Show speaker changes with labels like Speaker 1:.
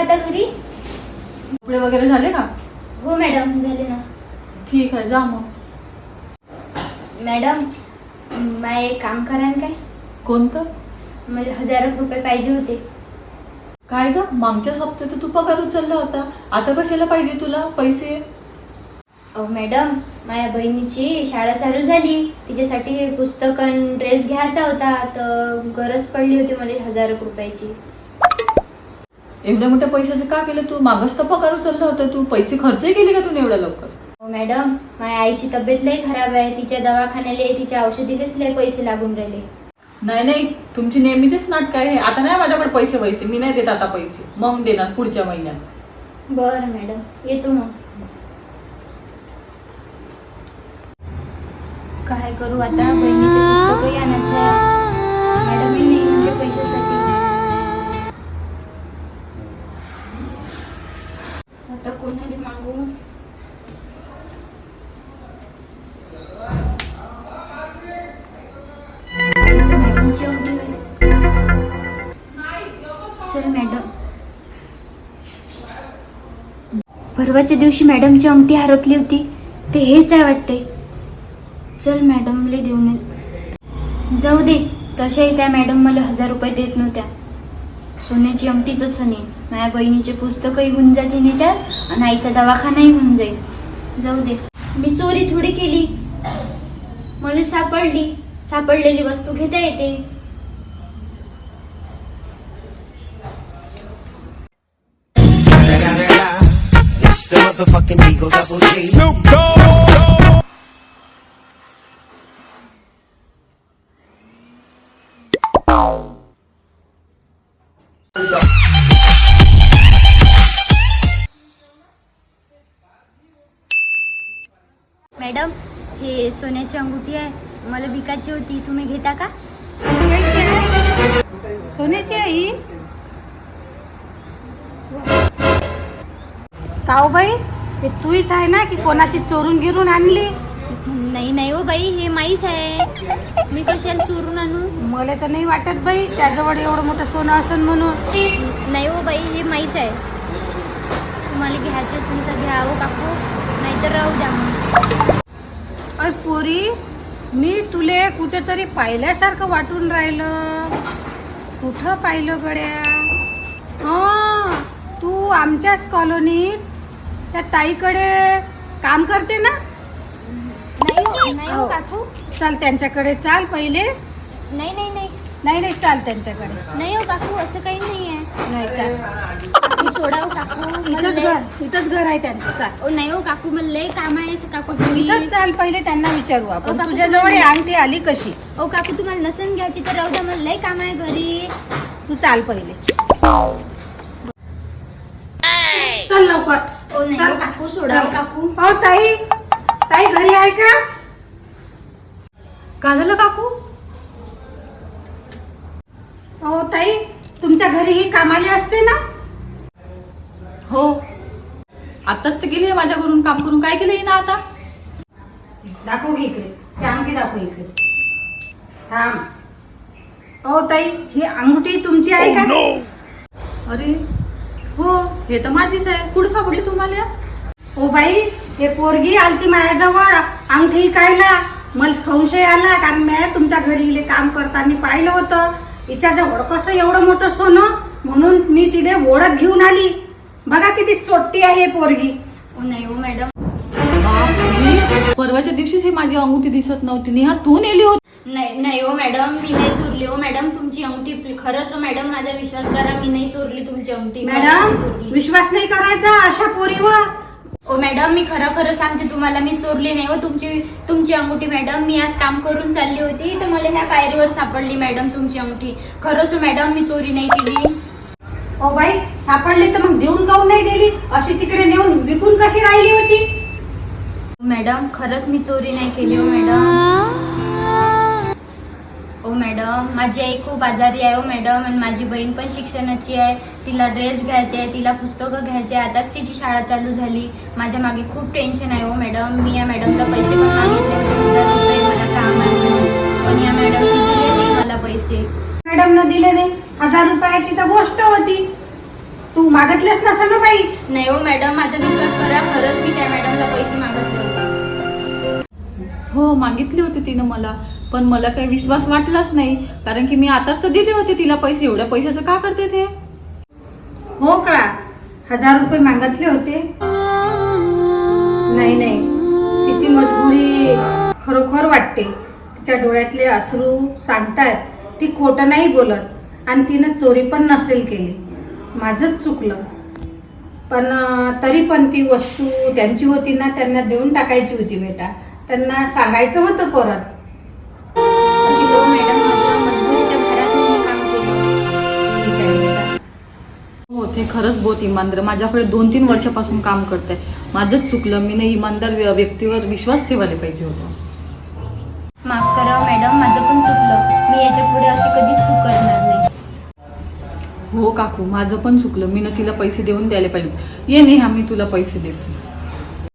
Speaker 1: आता घरी?
Speaker 2: कपडे वगैरे झाले का?
Speaker 1: हो मॅडम, झाले ना.
Speaker 2: ठीक आहे, जा मग.
Speaker 1: मॅडम, मला एक काम करा ना. काय?
Speaker 2: कोणतं?
Speaker 1: मला 1000 रुपये पाहिजे होते.
Speaker 2: काय ग, मागच्या हप्त्यात तर तू पगार उचलला होता, आता कशाला पाहिजे तुला पैसे?
Speaker 1: अहो मॅडम, माझ्या बहिणीची शाळा चालू झाली, तिच्यासाठी पुस्तक आणि ड्रेस घ्यायचा होता, तर गरज पडली होती मला 1000 रुपयाची.
Speaker 2: एवढ्या मोठ्या पैशाचं का केलं तू? मागच तर पगार उचलला होता, तू पैसे खर्चही केले का तू एवढ्या लवकर?
Speaker 1: हो मॅडम, माझ्या आईची तब्येत लई खराब आहे, तिच्या दवाखान्याला तिच्या औषधीलाच लई पैसे लागून राहिले.
Speaker 2: नाही नाही, तुमची नेहमीचीच नाटक आहे. आता नाही माझ्याकडे पैसे मी नाही देत आता पैसे, मग देणार पुढच्या महिन्यात.
Speaker 1: बरं मॅडम, येतो मग. काय करू आता, बहिणीचे पुस्तकही आणायचं आहे, मॅडमही नाही म्हणजे पैशासाठी. आता कोणाला मागू? मॅडमची अंगठी आहे. चल मॅडम, परवाच्या दिवशी मॅडमची अंगठी हरपली होती, ते हेच आहे वाटते. चल मॅडमला देऊन ये. जाऊ दे, तशाही त्या मॅडम मला 1000 रुपये देत नव्हत्या. सोन्याची अंगठीच असं नाही, माझ्या बहिणीचे पुस्तकही होऊन जातील याच्यात आणि आईचा दवाखानाही होऊन जाईल. जाऊ दे, मी चोरी थोडी केली, मला सापडलेली वस्तू घेता येते. मॅडम, हे सोन्याची अंगठी आहे, मला विकायची होती, तुम्ही घेता का?
Speaker 3: सोन्याची आई काऊ बाई, हे तूच आहे ना की कोणाची चोरून गिरून आणली?
Speaker 1: नाही हो बाई, हे माईच आहे, मी कशाला चोरून आणू?
Speaker 3: मला तर नाही वाटत बाई त्याजवळ एवढं मोठं सोनं असन म्हणून.
Speaker 1: नाही हो बाई, हे माईच आहे. तुम्हाला घ्यायचे असेल तर घ्या हो काकू, नाहीतर राहू द्या मग.
Speaker 3: अरे पोरी, मी तुले कुठेतरी पाहिल्यासारखं वाटून राहिलं. कुठं पाहिलं गड्या? हां, तू आमच्याच कॉलनीत त्या ताईकडे काम करते ना?
Speaker 1: नाही हो काकू.
Speaker 3: चल त्यांच्याकडे, चाल पहिले.
Speaker 1: नाही नाही नाही
Speaker 3: नाही नाही, चाल त्यांच्याकडे.
Speaker 1: नाही हो काकू, असं काही नाही आहे.
Speaker 3: नाही, चाल.
Speaker 1: काकू सोडा हो काकू,
Speaker 3: इथंच घर आहे त्यांचं, चाल.
Speaker 1: ओ नाही हो काकू, मला लय काम आहे काकू.
Speaker 3: इथंच चाल, पहिले त्यांना विचारू आपण
Speaker 1: काकू,
Speaker 3: तुझ्याजवळ ही अंगठी आली कशी.
Speaker 1: ओ काकू, तुम्हाला नसन घ्यायची तर राहू द्या, मला लय काम आहे घरी.
Speaker 3: तू चाल पहिले, चल लवकर.
Speaker 1: ओ नाही हो काकू, सोडा हो काकू.
Speaker 3: हो ताई, ताई घरी आहे का?
Speaker 2: काय झालं काकू?
Speaker 3: हो ताई, तुमच्या घरी ही कामाली असते ना?
Speaker 2: हो, आताच तर गेली माझ्या घरून काम करून. काय केलं ना आता?
Speaker 3: दाखव घे इकडे, ते अंगठी दाखव इकडे. थांब. हो ताई, ही अंगठी तुमची आहे का?
Speaker 2: अरे हो, हे तर माझीच आहे. कुठं सापडली तुम्हाला?
Speaker 3: हो बाई, हे पोरगी आलती माझ्याजवळ अंगठी कायला. मला संशय आला, कारण मी तुमच्या घरी काम करताना पाहिलं होतं. हिच्याजवळ कसं एवढं मोठं सोनं, म्हणून मी तिने ओळख घेऊन आली. बघा किती चोट्टी आहे हे पोरगी.
Speaker 1: ओ नाही हो मॅडम.
Speaker 2: बापरे, परवाच्या दिवशीच हे माझी अंगठी दिसत नव्हती. नेहा तू नेली होती?
Speaker 1: नाही हो मॅडम, मी नाही चोरली हो मॅडम तुमची अंगठी. खरंच हो मॅडम, माझा विश्वास करा, मी नाही चोरली तुमची अंगठी.
Speaker 3: मॅडम, विश्वास नाही करायचा अशा पोरीवर.
Speaker 1: ओ मॅडम, मी खरं सांगते तुम्हाला, मी चोरली नाही हो तुमची अंगठी मॅडम. मी आज काम करून चालली होती, तर मला ह्या पायरीवर सापडली मॅडम तुमची अंगठी. खरंच हो मॅडम, मी चोरी नाही केली.
Speaker 3: ओ बाई, सापडली तर मग देऊन काऊन नाही दिली? अशी तिकडे नेऊन विकून कशी राहिली होती?
Speaker 1: मॅडम, खरंच मी चोरी नाही केली हो मॅडम. ओ मॅडम, माझी आई खूप आजारी आहे हो मॅडम, आणि माझी बहीण पण शिक्षणाची आहे. तिला ड्रेस घ्यायचे आहे, तिला पुस्तकं घ्यायचे आहे, आताच तिची शाळा चालू झाली. माझ्या मागे खूप टेन्शन आहे हो मॅडम. मी या मॅडमला पैसे पण मागितले होते 1000 रुपये, मला काम आहे, पण या मॅडमने दिले नाही मला पैसे.
Speaker 3: मॅडमनं दिले नाही? 1000 रुपयाची तर गोष्ट होती. तू मागितलेस नसेल ना बाई.
Speaker 1: नाही हो मॅडम, माझा विश्वास करा, खरंच मी त्या मॅडमला पैसे मागितले होते.
Speaker 2: हो मागितले होते तिनं मला, पण मला काही विश्वास वाटलाच नाही, कारण की मी आताच तर दिले होते तिला पैसे. एवढ्या पैशाचं का करते ते?
Speaker 3: हो का? 1000 रुपये मागितले होते? नाही नाही, तिची मजबुरी खरोखर वाटते. तिच्या डोळ्यातले अश्रू सांगतात ती खोटं नाही बोलत आणि तिनं चोरी पण नसेल केली. माझंच चुकलं. पण तरी पण ती वस्तू त्यांची होती ना, त्यांना देऊन टाकायची होती बेटा. त्यांना सांगायचं होतं परत.
Speaker 1: अशी हो मॅडम, माझ्या मजबुरीच्या भरात मी हे काम केलं.
Speaker 3: ठीक आहे बेटा.
Speaker 2: हो ते खरंच बहुत इमानदार. माझ्याकडे 2-3 वर्षापासून काम करते. माझंच चुकलं. मी नाही इमानदार व्यक्तीवर विश्वास ठेवायला पाहिजे होता.
Speaker 1: माफ करा मॅडम, माझं पण चुकलं. मी याच्या पुढे अशी कधीच चूक करणार नाही.
Speaker 2: हो काकू, माझं पण चुकलं. मी ना तिला पैसे देऊन द्यायला पाहिजे. ये नेहा, मी तुला पैसे देतो.